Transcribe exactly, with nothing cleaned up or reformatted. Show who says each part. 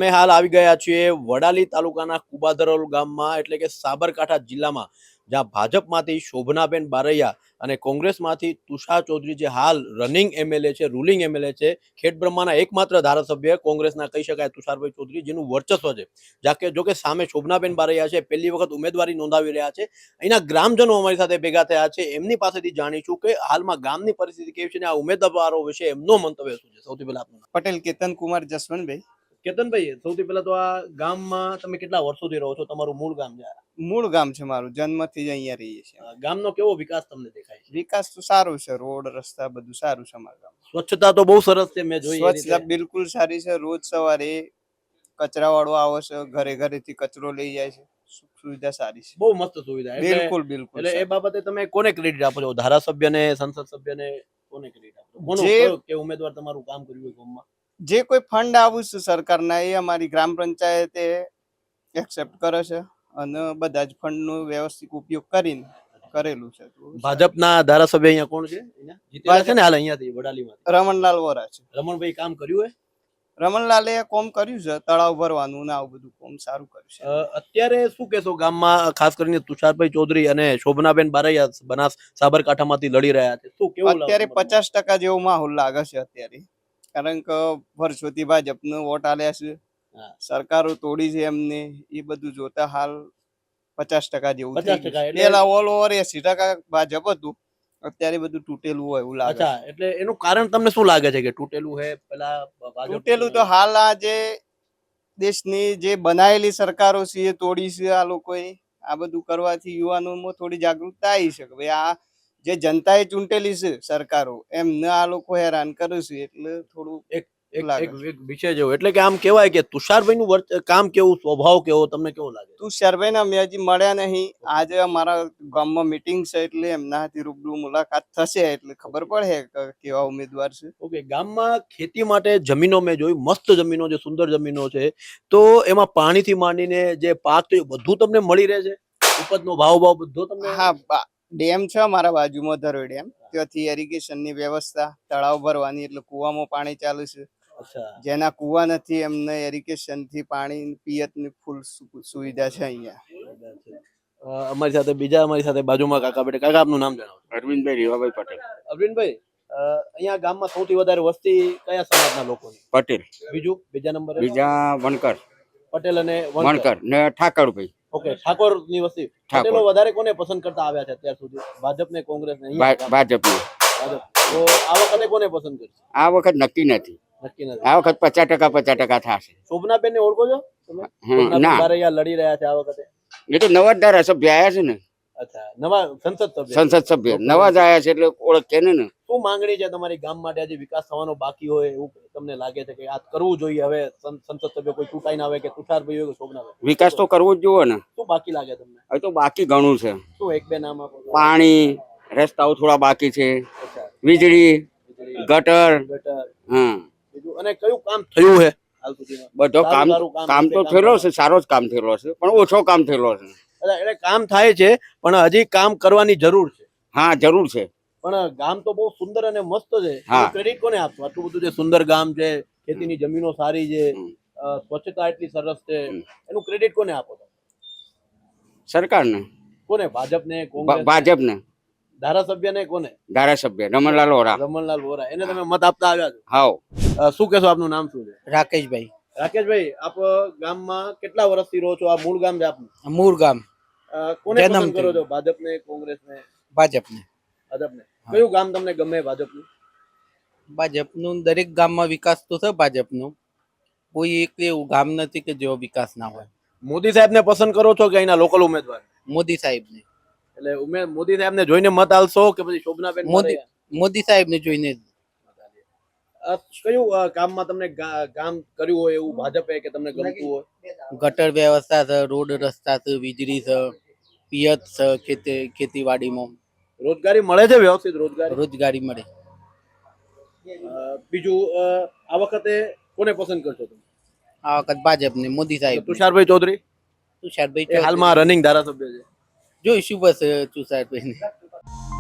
Speaker 1: અમે હાલ આવી ગયા છીએ વડાલી તાલુકાના કુબાધરોલ ગામમાં, એટલે કે સાબરકાંઠા જિલ્લામાં, જ્યાં ભાજપમાંથી શોભનાબેન બારૈયા અને કોંગ્રેસમાંથી તુષાર ચૌધરી, જે હાલ રનિંગ એમએલએ છે, રૂલિંગ એમએલએ છે, ખેડબ્રહ્માના એકમાત્ર ધારાસભ્ય કોંગ્રેસના કહી શકાય તુષારભાઈ ચૌધરી, જેનું વર્ચસ્વ છે. જાકે જોકે સામે શોભનાબેન બારૈયા છે, પહેલી વખત ઉમેદવારી નોંધાવી રહ્યા છે. અહીંના ગ્રામજનો અમારી સાથે ભેગા થયા છે, એમની પાસેથી જાણીશું કે હાલમાં ગામની પરિસ્થિતિ કેવી છે અને આ ઉમેદવારો વિશે એમનો મંતવ્ય શું છે. સૌથી પહેલા આપનું નામ?
Speaker 2: પટેલ કેતન કુમાર જસવંતભાઈ.
Speaker 1: કેતનભાઈ, સૌથી પહેલા તો આ ગામમાં તમે કેટલા વર્ષોથી રહો છો? તમારું મૂળ ગામ છે?
Speaker 2: મૂળ ગામ છે મારું, જન્મથી જ અહીંયા રહીએ છીએ.
Speaker 1: ગામનો કેવો વિકાસ તમને દેખાય છે?
Speaker 2: વિકાસ તો સારો છે, રોડ રસ્તા બધું સારું છે અમારા ગામ.
Speaker 1: સ્વચ્છતા તો બહુ સરસ છે, મેં જોઈ.
Speaker 2: સ્વચ્છતા બિલકુલ સારી છે. રોજ સવારે કચરા વાળો આવે છે, ઘરે ઘરેથી કચરો લઈ જાય છે. સુવિધા સારી છે,
Speaker 1: બહુ મસ્ત સુવિધા.
Speaker 2: બિલકુલ બિલકુલ.
Speaker 1: એટલે એ બાબતે તમે કોને ક્રેડિટ આપો છો? ધારાસભ્યને, સંસદ સભ્યને, કોને ક્રેડિટ આપો છો? કોનો કે ઉમેદવાર તમારું કામ કર્યું હોય ગામમાં?
Speaker 2: જે કોઈ ફંડ આવું છે સરકારના, એ અમારી ગ્રામ પંચાયતે એક્સેપ્ટ કરે છે અને બધા જ ફંડ નો વ્યવસ્થિત ઉપયોગ કરીને કરેલું છે.
Speaker 1: ભાજપના ધારાસભ્ય અહીંયા કોણ છે? જીતેલા છે ને હાલ અહીંયાથી વડાલીમાંથી?
Speaker 2: રમણલાલ વોરા છે.
Speaker 1: રમણભાઈ કામ કર્યું હે?
Speaker 2: રમણલાલે કોમ કર્યું છે, તળાવ ભરવાનું ને આવું બધું કોમ સારું કર્યું છે.
Speaker 1: અત્યારે શું કેશો ગામમાં, ખાસ કરીને તુષારભાઈ ચૌધરી અને શોભનાબેન બારૈયા બનાસ સાબરકાંઠામાંથી લડી રહ્યા છે, શું કેવું?
Speaker 2: અત્યારે પચાસ ટકા જેવો માહોલ લાગે છે અત્યારે, કારણ કે વર્ષોથી ભાજપનો વોટ આલ્યા છે, સરકારો તોડી છે એમને, એ બધું જોતા હાલ પચાસ ટકા જેવું. પેલા ઓલ ઓવર એસી ટકા ભાજપ હતું, અત્યારે બધું તૂટેલું હોય એવું લાગે.
Speaker 1: એટલે એનું કારણ તમને શું લાગે છે કે તૂટેલું હે? પેલા
Speaker 2: તૂટેલું તો હાલ આ જે દેશની જે બનાયેલી સરકારો છે એ તોડી છે આ લોકોએ. આ બધું કરવાથી યુવાનોમાં થોડી જાગૃતતા આવી છે કે ભાઈ આ જે જનતાએ ચૂંટેલી છે સરકારો, એમને આ લોકો હેરાન કરે છે, એટલે થોડું એક
Speaker 1: વિષય જેવું. એટલે કે આમ કેવાય કે તુષારભાઈ નું કામ કેવું, સ્વભાવ કેવો, તમને કેવો લાગે?
Speaker 2: તુષારભાઈ ના મેં હજી મળ્યા નહીં. આજે અમારા ગામમાં મીટિંગ છે, એટલે એમના હાથી રૂબરૂ મુલાકાત થશે એટલે ખબર પડે કેવા ઉમેદવાર છે.
Speaker 1: ઓકે. ગામમાં ખેતી માટે જમીનો મેં જોઈ, મસ્ત જમીનો છે, સુંદર જમીનો છે, તો એમાં પાણીથી માંડીને જે પાક છે બધું તમને મળી રહે છે? ઉપજનો ભાવ ભાવ બધો તમને?
Speaker 2: હા, ડેમ છે અમારા બાજુમાં, ધરોઈ ડેમ, ત્યાંથી ઇરિગેશન ની વ્યવસ્થા, તળાવ ભરવાની, એટલે કુવામાં પાણી ચાલે છે. જેના કુવા નથી એમને ઇરિગેશન થી પાણી પિયત ની ફૂલ સુવિધા છે અહીંયા.
Speaker 1: અમારી સાથે બીજા, અમારી સાથે બાજુમાં કાકા બેઠા. કાકા, આપનું નામ જણાવો?
Speaker 3: અરવિંદભાઈ રીવાભાઈ પટેલ.
Speaker 1: અરવિંદભાઈ, અહીંયા ગામમાં સૌથી વધારે વસ્તી કયા સમાજના લોકોની?
Speaker 3: પટેલ.
Speaker 1: બીજું? બીજા નંબરે?
Speaker 3: બીજા વણકર.
Speaker 1: પટેલ અને
Speaker 3: વણકર ને ઠાકરભાઈ.
Speaker 1: ઓકે, ઠાકોર ની વસ્તી. પટેલો વધારે કોને પસંદ કરતા આવ્યા છે અત્યાર સુધી? ભાજપ ને કોંગ્રેસ ને?
Speaker 3: ભાજપ.
Speaker 1: તો આ વખતે કોને પસંદ કરશે?
Speaker 3: આ વખત નક્કી નથી.
Speaker 1: નક્કી નથી.
Speaker 3: આ વખત પચાસ ટકા પચાસ ટકા થશે.
Speaker 1: શોભનાબેન ને ઓળખો છો તમે?
Speaker 3: ના,
Speaker 1: લડી રહ્યા છે આ વખતે.
Speaker 3: એ તો નવા ધારાસભ્ય આવ્યા છે ને.
Speaker 1: અચ્છા, નવા સંસદ સભ્ય.
Speaker 3: સંસદ સભ્ય નવા જ આવ્યા છે એટલે ઓળખે ને.
Speaker 1: શું માંગણી છે તમારી ગામ માટે? આજે વિકાસ થવાનો બાકી હોય એવું તમને લાગે છે કે આ કરવું જોઈએ હવે? સંસદ સભ્ય કોઈ ચૂંટાઈ ના આવે, કે તુષારભાઈ હોય કે શોભનાભાઈ?
Speaker 3: વિકાસ તો કરવો જ જોઈએ ને.
Speaker 1: શું બાકી લાગે તમને?
Speaker 3: હવે તો બાકી ઘણું છે.
Speaker 1: શું એક બે નામ આપો?
Speaker 3: પાણી, રસ્તાઓ થોડા બાકી છે, વીજળી, ગટર. હા.
Speaker 1: અને કયું કામ થયું છે હાલ સુધીમાં?
Speaker 3: બધો કામ કામ તો થયેલો છે, સારો જ કામ થયેલો છે, પણ ઓછો કામ થયેલો છે.
Speaker 1: એટલે કામ થાય છે પણ હજી કામ કરવાની જરૂર છે.
Speaker 3: હા, જરૂર છે.
Speaker 1: પણ ગામ તો બહુ સુંદર અને મસ્ત છે. ક્રેડિટ કોને આપશો? આટલું બધું જે સુંદર ગામ છે, ખેતીની જમીનો સારી છે, સ્વચ્છતા એટલી સરસ છે, એનું ક્રેડિટ કોને આપો?
Speaker 3: સરકારને.
Speaker 1: કોને? ભાજપને? કોંગ્રેસ?
Speaker 3: ભાજપને.
Speaker 1: ધારાસભ્યને કોને?
Speaker 3: ધારાસભ્ય રમણલાલ વોરા.
Speaker 1: રમણલાલ વોરા, એને તમે મત આપતા આવ્યા છો?
Speaker 3: હાઉ.
Speaker 1: શું કહેશો? આપનું નામ શું છે?
Speaker 4: રાકેશભાઈ.
Speaker 1: રાકેશભાઈ, આપ ગામમાં કેટલા વર્ષથી રહો છો? આ મૂળ ગામ છે આપનું?
Speaker 4: મૂળ ગામ.
Speaker 1: કોને પસંદ કરો છો? ભાજપને, કોંગ્રેસને?
Speaker 4: ભાજપને.
Speaker 1: ભાજપને. કયું ગામ તમને ગમે ભાજપનું?
Speaker 4: ભાજપનું દરેક ગામમાં વિકાસ તો છે ભાજપનું. કોઈ એક એવું ગામ નથી કે જેવો વિકાસ ના હોય.
Speaker 1: મોદી સાહેબ ને પસંદ કરો છો કે અહીંના લોકલ ઉમેદવાર?
Speaker 4: મોદી સાહેબ ને.
Speaker 1: એટલે ઉમેદ મોદી સાહેબ ને જોઈને મત આલશો કે પછી શોભનાબેન?
Speaker 4: મોદી મોદી સાહેબ ને જોઈને.
Speaker 1: કયું કામમાં તમને કામ કર્યું હોય એવું ભાજપે કે તમને ગમતું હોય?
Speaker 4: ગટર વ્યવસ્થા છે, રોડ રસ્તા છે, વીજળી છે, પિયત છે, ખેતી ખેતીવાડીમાં
Speaker 1: રોજગારી મળે છે? વ્યવસ્થિત રોજગારી
Speaker 4: રોજગારી મળે.
Speaker 1: બીજું, આ વખતે કોને પસંદ કરશો તમે?
Speaker 4: આ વખત ભાજપ ને, મોદી સાહેબ.
Speaker 1: તુષારભાઈ ચૌધરી?
Speaker 4: તુષારભાઈ
Speaker 1: હાલમાં રનિંગ ધારાસભ્ય છે.
Speaker 4: જોઈશું બસ તુષારભાઈ ને.